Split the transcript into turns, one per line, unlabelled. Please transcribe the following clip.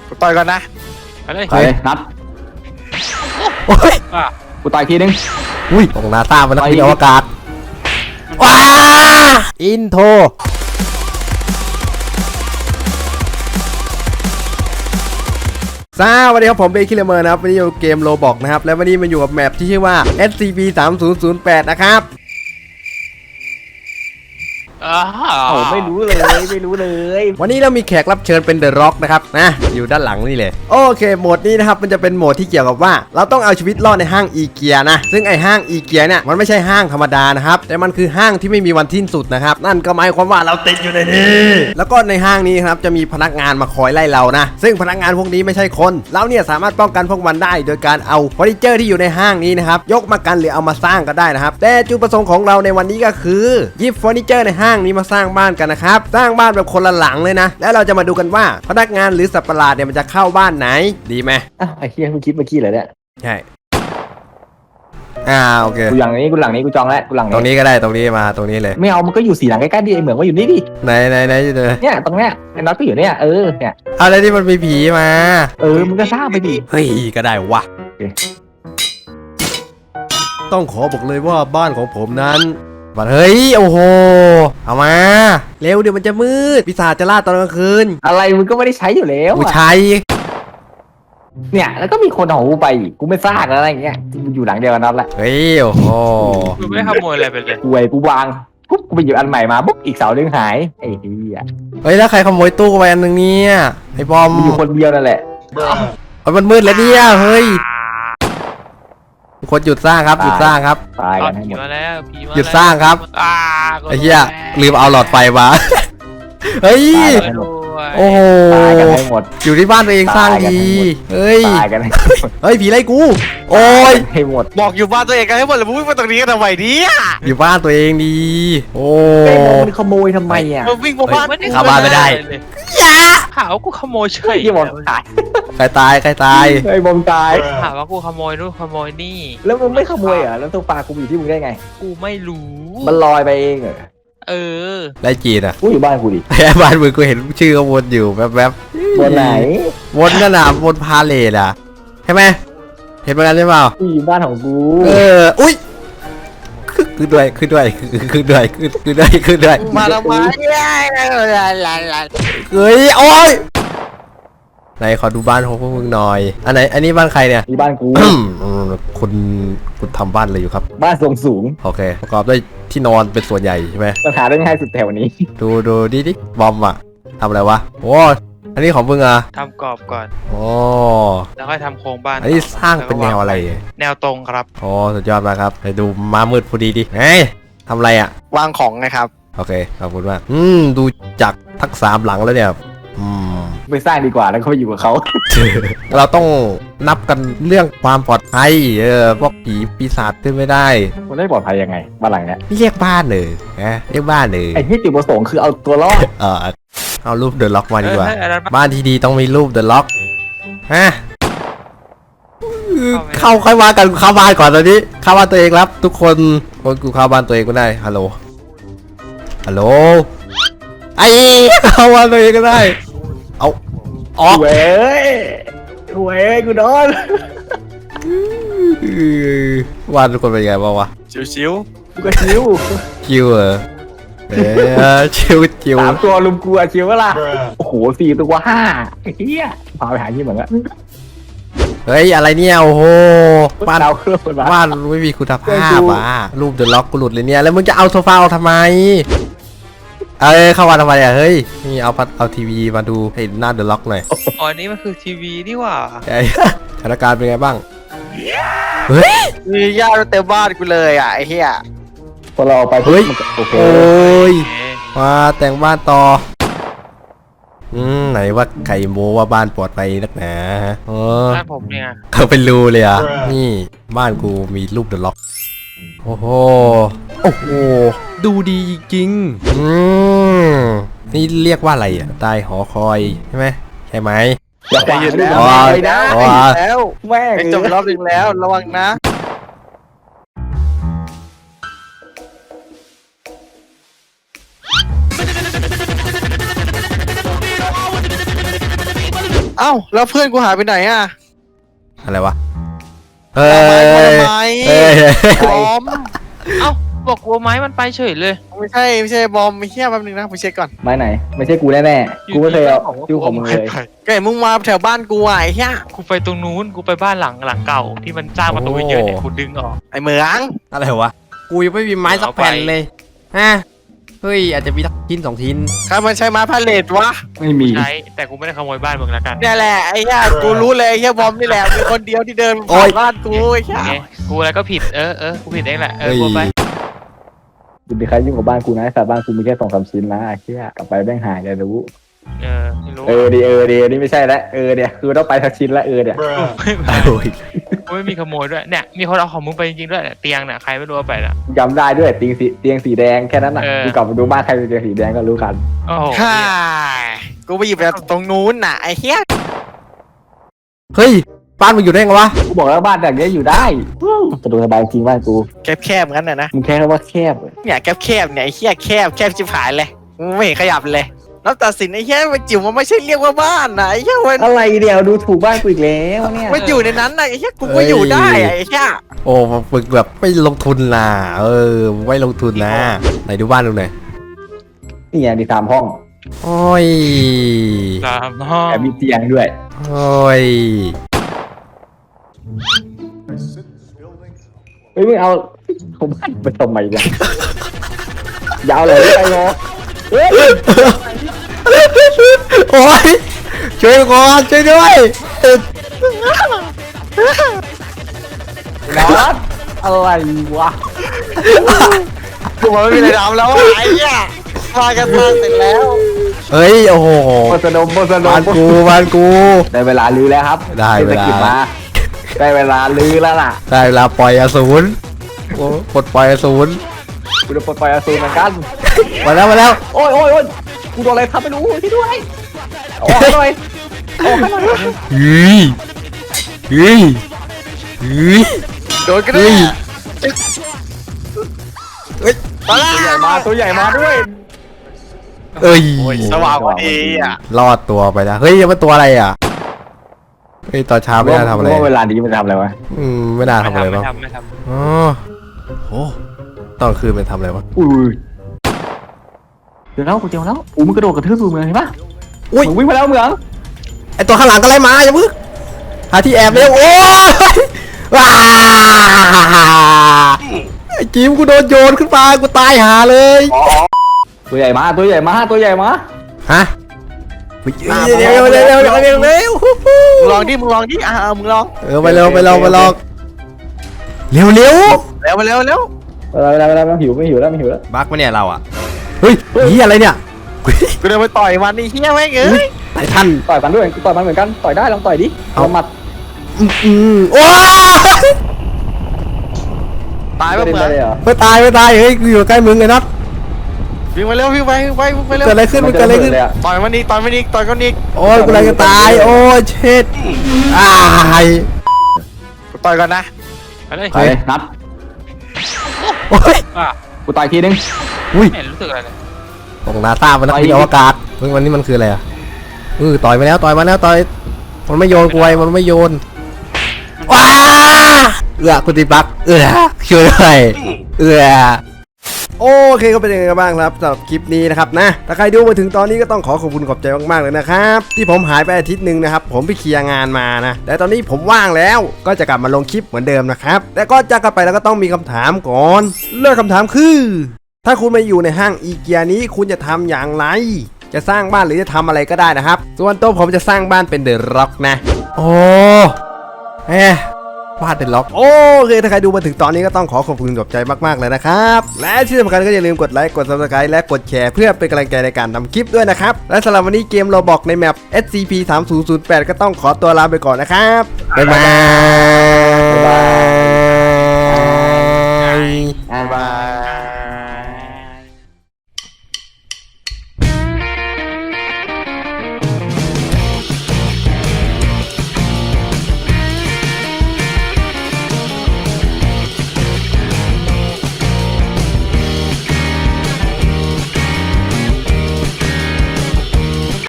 ต่อยก่อนนะ
ไปเลย
นัด
โอ้ย
กูต่อยทีนึง
อุ้ยตรงนาซามันนักบินอวกาศว้าอินโทรสวัสดีครับผมเบคิเลเมอร์นะครับวันนี้อยู่เกมโรบอกนะครับและวันนี้มาอยู่กับแมปที่ชื่อว่า SCP-3008 นะครับ
ไม่รู้เลย
วันนี้เรามีแขกรับเชิญเป็นเดอะร็อกนะครับนะอยู่ด้านหลังนี่เลยโอเคโหมดนี้นะครับมันจะเป็นโหมดที่เกี่ยวกับว่าเราต้องเอาชีวิตรอดในห้างอีเกียนะซึ่งไอห้างอีเกียเนี่ยมันไม่ใช่ห้างธรรมดานะครับแต่มันคือห้างที่ไม่มีวันสิ้นสุดนะครับนั่นก็หมายความว่าเราติดอยู่ในนี้แล้วก็ในห้างนี้ครับจะมีพนักงานมาคอยไล่เรานะซึ่งพนักงานพวกนี้ไม่ใช่คนเราเนี่ยสามารถป้องกันพวกมันได้โดยการเอาเฟอร์นิเจอร์ที่อยู่ในห้างนี้นะครับยกมากันหรือเอามาสร้างก็ได้นะครับแต่จุดประสงค์ของเราในวันนี้ก็คือหยิบเฟอร์นิเจอร์ในห้างนี้มาสร้างบ้านกันนะครับสร้างบ้านแบบคนละหลังเลยนะแล้วเราจะมาดูกันว่าพนักงานหรือสัตว์ประหลาดเนี่ยมันจะเข้าบ้านไหนดีไหม
ไอ้เหี้ยมึงคิดเมื่อกี้เหรอเนี่ย
ใช่โอเค
กูหลังนี้กูจองแล้วกูหลัง
ตรงนี้ก็ได้ตรงนี้มาตรงนี้เลย
ไม่เอามันก็อยู่สี่หลังใกล้ๆดิไอเหมือนว่าอยู่นี่ดิ
ไหนอยู่เลย
เนี่ยตรงเนี้ยไอ้น็อตก็อยู่เนี่ยเนี่ย
อะไรที่มันมีผีมา
มึงก็สร้างไปดิ
เฮ้ยก็ได้วะต้องขอบอกเลยว่าบ้านของผมนั้นเฮ้ยโอ้โหเอามาเร็วเดี๋ยวมันจะมืดปีศาจจะล่าตอนกลางคืน
อะไรมึงก็ไม่ได้ใช้อยู่แล้ว
กูใช้
เนี่ยแล้วก็มีคนเอากูไปอีกกูไม่สร้างอะไรอย่างเงี้ยกูอยู่หลังเดียวกันน็อตแหละ
เฮ้ยโอ้โห
กูไม่ขโมยอะไรไปเลย
กูวางปุ๊บกูไปหยิบอันใหม่มาปุ๊บอีกเสาเรื่องหายไอ้เหี้ย
เฮ้ยแล้วใครขโมยตู้ไปอันนึงเนี่ยไอ้บอม
อยู่คนเดียวนั่นแหละ
มันมืดแล้วเนี่ยเฮ้ยคนหยุดสร้างครับหยุดสร้างครับ
ตายกันให้หมด
หยุดสร้างครับไอ้เหี้ยลืมเอาหลอดไฟมาเฮ้ยโอ้โห
ตายกันให้หมด
อยู่ที่บ้านตัวเองสร้างดีเฮ้ย
ตายกัน
เฮ้ยผีไล่กูโอ้ย
ให้หมด
บอกอยู่บ้านตัวเองกันให้หมดเลยมึงวิ่งมาตรงนี้กันทำไมเนี่ย
อยู่บ้านตัวเองดีโอ้
มันขโมยทำไมอ่ะ
มึงวิ่งมาบ้าน
เข้าบ้านไม่ได้
อย่าหาว่ากูขโมยเฉย
ที่บอมตาย
ใครตาย
ไอ้บอมตาย
หาว่ากูขโมยนู่นขโมยนี่
แล้วมึงไม่ขโมยอ่ะแล้วตัวปลากูอยู่ที่มึงได้ไง
กูไม่รู้
มันลอยไปเองเหรอ
ไรจีนอ่ะ
กูอยู่บ้านกูดิ
บ้านมึงกูเห็นชื่อก็วนอยู่แวบ
ๆวนไหน
วนนั่นน่ะวนพาเลทอ่ะใช่ไหมเห็นเหมือนกันใช่เปล่า
กูอยู่บ้านของกู
อุ้ยขึ้นด้วย
มาทำไม
เฮ้ยโอ้ยไหนขอดูบ้านของพวกมึงหน่อยอันไหนอันนี้บ้านใครเนี่ย
นี่บ้านกู
คุณทำบ้านอะไรอยู่ครับ
บ้านทรงสูง
โอเคประกอบด้วยที่นอนเป็นส่วนใหญ่ใช่ไหม
ปัญหาได้ง่ายสุดแถวนี้
ดูดิบอมอ่ะทำอะไรวะโอ้อันนี้ของมึงอ่ะ
ทำกรอบก่อน
โอ้
แล้วค่อยทำโครงบ้าน
อันนี้สร้างเป็นแนวอะไร
แนวตรงครับ
โอ้สุดยอดมากครับไปดูม้ามืดพอดีดิเฮ้ยทำอะไรอ่ะ
วางของไงครับ
โอเคขอบคุณมากดูจากทั้ง3หลังแล้วเนี่ย
ไปสร้างดีกว่าแล้วก็ไปอยู่กับเขา
เราต้องนับกันเรื่องความปลอดภัยพวกผีปีศาจขึ้นไม่ได้
มันได้ปลอดภัยยังไงบ้านหลังเนี้ย
เรียกบ้านเลยเรียกบ้านเลย
ไอ้ที่จุดประสงค์คือเอาตัวรอด
เอารูปเดอะล็อกมาดีกว่าบ้านที่ดีต้องมีรูปเดอะล็อกเข้าค่อยว่ากันเข้าบ้านก่อนตอนนี้เข้าบ้านตัวเองครับทุกคนกูเข้าบ้านตัวเองก็ได้ฮัลโหลไอ้เข้าบ้านตัวเองก็ได้เอาออก
เว้ยกูโดน
วาดทุกคนเป็นไงบ้างวะ
ชิว
กูก็ชิว
ชิว
3 ตัวลุมกูอะชิวเวล่ะโอ้โห4 ตัว 5เฮียพาไปหาที่เหมือนกัน
เฮ้ยอะไรเนี่ยโอ้โหบ้านไม่มีคุณภาพรูปเดอะล็อกกูหลุดเลยเนี่ยแล้วมึงจะเอาโซฟาออกทำไมเข้ามาทำไมอ่ะเฮ้ยนี่เอาทีวีมาดูให้หน้าเดอะล็อกหน่อย
อ๋อนี่มันคือทีวีนี่หว่า
สถานการณ์เป็นไงบ้างเฮ้ย
มีญาติเต็มบ้านกูเลยอ่ะไอ้เหี้ย
พอเราไป
เฮ้ยโอ้ยมาแต่งบ้านต่อไหนว่าไข่โมว่าบ้านปลอดภัยนักหนา
บ้านผมเนี่ย
เขาเป็นรูเลยอ่ะนี่บ้านกูมีรูปเดอะล็อกโอ้โหดูดีจริงนี่เรียกว่าอะไรอ่ะใต้หอคอยใช่ไหม
อย่าไปยืนแล้ว
แม่งจบรอบนึงแล้วระวังนะาแล้วเพื่อนกูหายไปไหนอ่ะ
อะไรวะ
ทำไม
เฮ้ย
บอม
เอ้าบอกกลัวไม้มันไปเฉยเลย
ไม่ใช่บอมไม่เชี่ยแป๊บนึงนะผมเช็คก่อน
ไม้ไหน ไม่ใช่กูแน่ๆกูไม่เคยเอายูของมึงเลย
ก็เห็นมึงมาแถวบ้านกูอ่ะไอ้เหี้ย
กูไปตรงนู้นกูไปบ้านหลังเก่าที่มันสร้างประตูไว้เยอะเนี่ยกูดึงออก
ไอ้เหมือง
อะไรวะ กูยังไม่มีไม้สักแผ่นเลยฮะเฮ้ยอาจจะมีสักชิ้น2 ชิ้น
ใครมันใช้ไม้พาเลทวะ
ไม่มี
ใช้แต่กูไม่ได้ขโมยบ้านมึงแล้วกัน
เนี่ยแหละไอ้เหี้ยกูรู้เลยไอ้เหี้ยบอมนี่แหละมีคนเดียวที่เดิน
โอ๊
ผ่าย นบ้านกูไอ้เหี้ย
ไงกูอะไรก็ผิดกูผิดเองแหละ
เฮ้ย
กูไป
จะมีใครยุ่งกับบ้านกูนะแต่บ้านกูมีแค่2-3 ชิ้นนะไอ้เหี้ยกลับไปแม่งหายเลยรู้
ไม่รู้
ดีนี่ไม่ใช่แล้วเนี่ยคือต้องไปทักชิ้นละเนี่ย
โอ้ย
กูไม่มีขโมยด้วยเนี่ยมีคนเอาของมึงไปจริงๆด้วยเตียงเนี่ยใครไม่รู้เอาไปน่ะ
จำได้ด้วยเตียงสีแดงแค่นั้นน่ะ
เออ
กูกลับมาดูบ้านใครเป็นเตียงสีแดงก็รู้กัน
โอ้โห
ฮ่ากูไปหยิบจากตรงนู้นน่ะไอ้เหี้ย
เฮ้ยบ้านมึงอยู่ได้ไงวะ
กูบอกแล้วบ้านแบบนี้อยู่ได้สะดวกสบายจริงบ้านกู
แคบงั้นน่ะนะ
มึงแค่ว่าแคบ
เนี่ยแคบเนี่ยไอ้เหี้ยแคบชิบหายเลยไม่เห็นขยับเลยแล้วตัดสินไอ้เหี้ยมันจิ๋วมันไม่ใช่เรียกว่าบ้านนะไอ้เหี้ยมัน
อะไรเดียวดูถูกบ้านกูอีกแล้วเนี่ย
มันอยู่ในนั้นนะไอ้เหี้ยกูก็อยู่ได้อะไอ้เหี้ย
โอ้ฝึกแบบไม่ลงทุนนะไม่ลงทุนนะไหนดูบ้านดูหน่อย
นี่ไงมี3 ห้อง
โอ้ย
ตามห้อง
แต่มีเตียงด้วย
โอ้ย
เฮ้ยมึงเอาบ้านไปทำไมเนี่ยยาวเลยไปงอเฮ้ย
โอ้ยช่วยก่อนช่วยด้วย
นอนอะไรวะ
กูบอกไม่มีอะไรทำแล้วอะไอ้เหี้ยมากันมาเสร็จแล้ว
เฮ้ยโอ้โห
โบสนม
บ้านกู
ได้เวลาลื้อแล้วครับ
ได้เวลา
ศรษฐกิจมาได้เวลาลื้อแล้วล่ะ
ได้เวลาปล่อยอสูรโอ้ปลดปล่อยอสูร
กูจะปลดปล่อยอสูรเหมือนกัน
มาแล้ว
โอ้ยกูโดนอะไรทำไม่รู้ที่ด้วยออกหน่อยออกหน่อย
เฮ้ยเฮ้ยเฮ้ย
โดนกันเล
เฮ้
ย
ย
มาละ
ตัวใหญ่มาด้วย
เอ้ย
สว่างพอดีอ่ะ
รอดตัวไปแล้วเฮ้ยยังเป็นตัวอะไรอ่ะเฮ้ยตอนเช้าไม่น่าทำอะไร
ว่าเวลานี้มันทำอะไรวะ
ไม่น่าทำอะไรบ้าง
ไม่ทำ
อ๋อโอ้ตอนคืนเป็นทำอะไรวะ
อุ้ยเดี๋ยวแล้วกูเจอแล้วมึงกระโดดกระทืบกูเมืองเห็นปะ
อุ้ย
มึงวิ่งมาแล้วเมือง
ไอตัวข้างหลังก็ไล่มาอย่าพึ่งหาที่แอบเร็วโอ้ยว้าไอจิมกูโดนโยนขึ้นมากูตายหาเลย
ตัวใหญ่มา
ฮะเร็ว
มึงลองดิมึงลอง
ไปเร็วเร็ว
เร็ว
มันหิวไม่หิวแล้ว
บักมาเนี่ยเราอ่ะเฮ้ยนี่อะไรเนี่ย
กูเดินไปต่อยมันนี่เฮียแม่งเอ้ย
ไททัน
ต่อยมันด้วยต่อยมันเหมือนกันต่อยได้ลองต่อยดิเอาหมัด
โอ้ย
ตาย
ไม่
ปะ
ได้
เหมือน
เลยเหรอ
ไม่ตายเฮ้ยกูอยู่ใกล้มึงเลยนัด
วิ่งมาเร็ววิ่งไปเร็ว
เกิดอะไรขึ้นมันเกิดอะไรขึ้น
ต่อยมันอีกต่อยกันอีก
โอ้ยกูอะไรจะตายโอ้ยเช็ดอ้าย
กูต่อยก่อนนะ
ไปเลย
ไปนัด
โอ้ย
กูต่อยทีนึง
อุ้ย
ไม่รู้สึกอะไรเลย
ตรงนาซามันนักบินอวกาศวันนี้มันคืออะไรอ่ะต่อยมาแล้วมันไม่โยนกวยมันไม่โยนว้าคุณติบักช่วยด้วยโอเคก็เป็นยังไงกันบ้างครับสำหรับคลิปนี้นะครับนะถ้าใครดูมาถึงตอนนี้ก็ต้องขอบคุณขอบใจมากๆเลยนะครับที่ผมหายไปอาทิตย์หนึ่งนะครับผมไปเคลียร์งานมานะแต่ตอนนี้ผมว่างแล้วก็จะกลับมาลงคลิปเหมือนเดิมนะครับแต่ก็จะกลับไปแล้วก็ต้องมีคำถามก่อนเลือกคำถามคือถ้าคุณมาอยู่ในห้างอีเกียนี้คุณจะทำอย่างไรจะสร้างบ้านหรือจะทำอะไรก็ได้นะครับส่วนตัวผมจะสร้างบ้านเป็นเดอะร็อกนะโอ้บ้านเดอะร็อกโอเคถ้าใครดูมาถึงตอนนี้ก็ต้องขอบคุณขอบใจมากๆเลยนะครับและที่สำคัญก็อย่าลืมกดไลค์กด Subscribe และกดแชร์เพื่อเป็นกำลังใจในการทำคลิปด้วยนะครับและสำหรับวันนี้เกมโรบอกในแมป SCP-3008 ก็ต้องขอตัวลาไปก่อนนะครับบ๊ายบาย
บ๊ายบาย